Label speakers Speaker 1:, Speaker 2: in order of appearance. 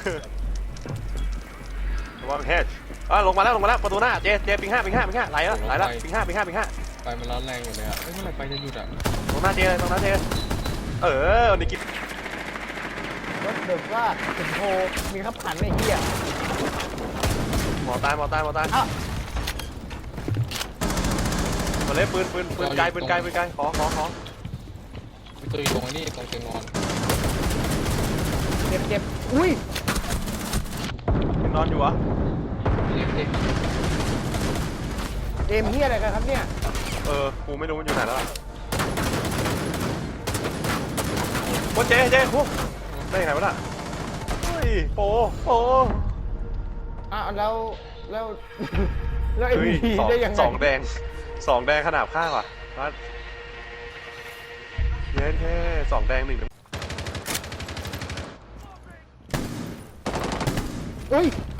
Speaker 1: ระวังแฮชลงมาแล้วประตูหน้าเจปิงห้าไหลแล้วปิงห้า
Speaker 2: ไฟมันร้อนแรงอยู่เลยอ่ะเมื่อไหร่ไฟจะหยุดอ่ะ
Speaker 1: ตรงหน้าเจนี่กิน
Speaker 3: รถเดือดว่าถึงโทมีขับขันไอ้เหี้ย
Speaker 1: หมอตายมาเล่นปืนไกลขอ
Speaker 2: มีตัวอยู่ตรงนี้ตรงเตียงนอน
Speaker 3: เจ็บอุ้ย
Speaker 1: ยังนอนอยู่วะ
Speaker 3: เกมเหี้ยอะไรกันครับเนี่ย
Speaker 1: กูไม่รู้มันอยู่ไหนแล้วโอ้เจพวกได้ยังไงวะน่ะเฮ้ยโป
Speaker 3: แล้วเอ็มพีได้ยังไง
Speaker 1: สองแดงขนาดข้างว่ะเย็นแค่2 แดง 1
Speaker 3: อุ้ย